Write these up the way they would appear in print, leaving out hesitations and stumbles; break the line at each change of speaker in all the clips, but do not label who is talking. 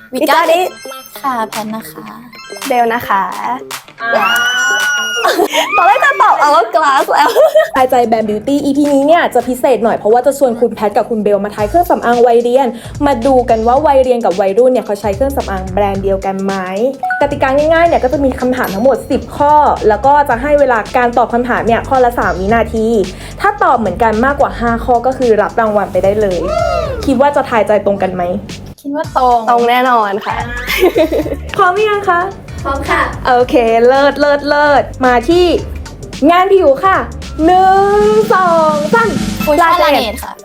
We got it ค่ะแพนนะคะ
เบลนะคะตอนแรกจะตอบHourglassแล้ว
ทายใจแบรนด์ Beauty EP นี้เนี่ยจะพิเศษหน่อยเพราะว่าจะชวนคุณแพทกับคุณเบลมาทายเครื่องสำอางวัยเรียนมาดูกันว่าวัยเรียนกับวัยรุ่นเนี่ยเขาใช้เครื่องสำอางแบรนด์เดียวกันไหมกติกาง่ายๆเนี่ยก็จะมีคำถามทั้งหมด10ข้อแล้วก็จะให้เวลาการตอบคำถามเนี่ยข้อละ3 วินาทีถ้าตอบเหมือนกันมากกว่า5ข้อก็คือรับรางวัลไปได้เลยคิดว่าจะทายใจตรงกันไหม
คิดว่าตรง
แน่นอนค่ะ
พร้อมหรือยังคะ
พร้อมค่ะ
โอเคเลิศมาที่งานผิวค่ะ1 2 3
ฟูชั่นลาเนตค่ะ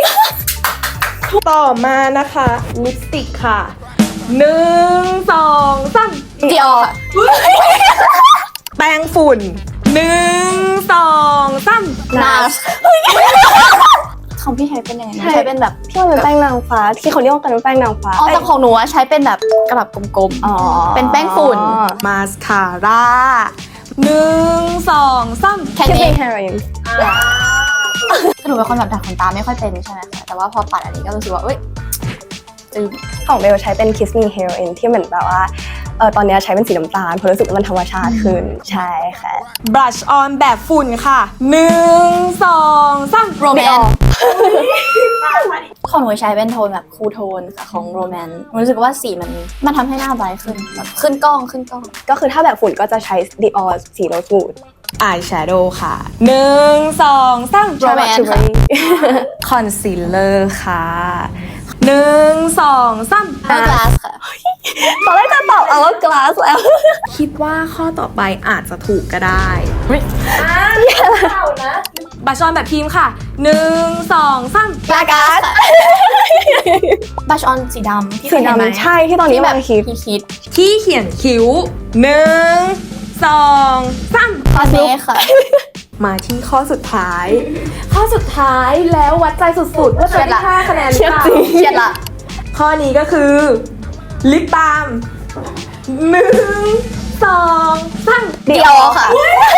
ต่อมานะคะลิปสติกค่ะ1 2 3
ดิออค่ะ
แป้งฝุ่น1 2 3
นาสของพี่ใช้เป็นยังไงใช้เป็นแบบ
พี่ว่าเป็นแป้งนางฟ้าที่เขาเรียกว่ากันว่าแป้งนางฟ้า
อ๋อแต่ของหนูใช้เป็นแบบกระดับกลมๆเป็นแป้งฝุ่น
มาสคาร่า1 2 3
แค่นี้
เฮโรอีน
หนูเป็นคนแบบดัดขนตาไม่ค่อยเป็นใช่ไหมคะแต่ว่าพอปัดอันนี้ก็รู้สึกว่าจืด
ของเบลใช้เป็น Kiss Me Heroine ที่เหมือนแบบว่าตอนนี้ใช้เป็นสีน้ำตาลเพราะรู้สึกว่ามันธรรมชาติขึ้นใช่ค่ะ
Brush on แบบฝุ่นค่ะ1 2 3
โรแมนของหนูใช้เป็นโทนแบบคูลโทนค่ะของโรแมนรู้สึกว่าสีมันทำให้หน้าไบรท์ขึ้นแบบขึ้นกล้อง
ก็คือถ้าแบบฝุ่นก็จะใช้ Dior สีโรสวูด
อายแชโดว์ค่ะ1 2 3
โรแมนค่ะ
คอนซีลเลอร์ค่ะ1 2 3
Hourglass ค่ะ
ตอนแรกจะตอบHourglassแล้ว
คิดว่าข้อต่อไปอาจจะถูกก็ได้บัชออนแบบทีมค่ะ1 2 3
Hourglass บัชออนสีดำ
สีดำใช่ที่ตอนนี้แบบ
คิด
ที่เขียนคิ้ว1 2 3
คาเฟ่ค่ะ
มาที่ข้อสุดท้ายแล้ววัดใจสุดๆว่าจะได้5 คะแนนหรือเปล่า
เฉียดละ
ข้อนี้ก็คือลิปบาล์ม1 2 3
ดิออค่ะ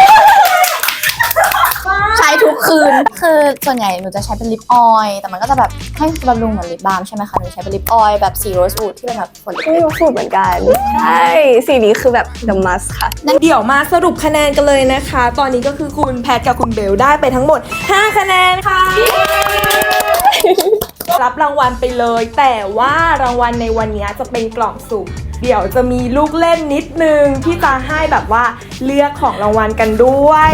ใช้ทุกคืนคือส่วนใหญ่หนูจะใช้เป็นลิปออยล์แต่มันก็จะแบบให้บำรุงเหมือนลิปบาล์มใช่ไหมคะหนูใช้เป็นลิปออยล์แบบสีโรสวูดที่เป็นแบบผลลิป
โรสวูดเหมือนกันใช่สีนี้คือแบบ the must ค่ะ
เดี๋ยวมาสรุปคะแนนกันเลยนะคะตอนนี้ก็คือคุณแพทกับคุณเบลได้ไปทั้งหมด5 คะแนนค่ะรับรางวัลไปเลยแต่ว่ารางวัลในวันนี้จะเป็นกล่องสุ่มเดี๋ยวจะมีลูกเล่นนิดนึงที่จะให้แบบว่าเลือกของรางวัลกันด้วย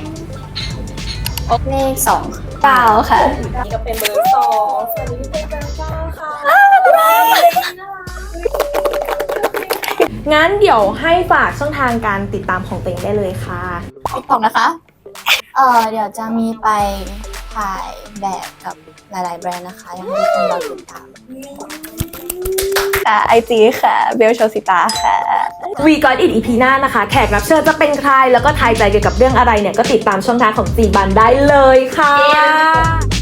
เลข
9ค่ะ
นี่ก็เป็นเบอร์2ส่วนนี้เป็นเบอร์9ค่ะงั้นเดี๋ยวให้ฝากช่องทางการติดตามของตัวเองได้เลยค่ะ
TikTok นะคะเดี๋ยวจะมีไปถ่ายแบบกับหลายๆแบรนด์นะคะอยากให้ทุกคนรอติดตาม
IG ค่ะเบลโชสิตาค่ะ
We Got It EP หน้านะคะแขกรับเชิญจะเป็นใครแล้วก็ทายใจเกี่ยวกับเรื่องอะไรเนี่ยก็ติดตามช่องทางของจีบันได้เลยค่ะ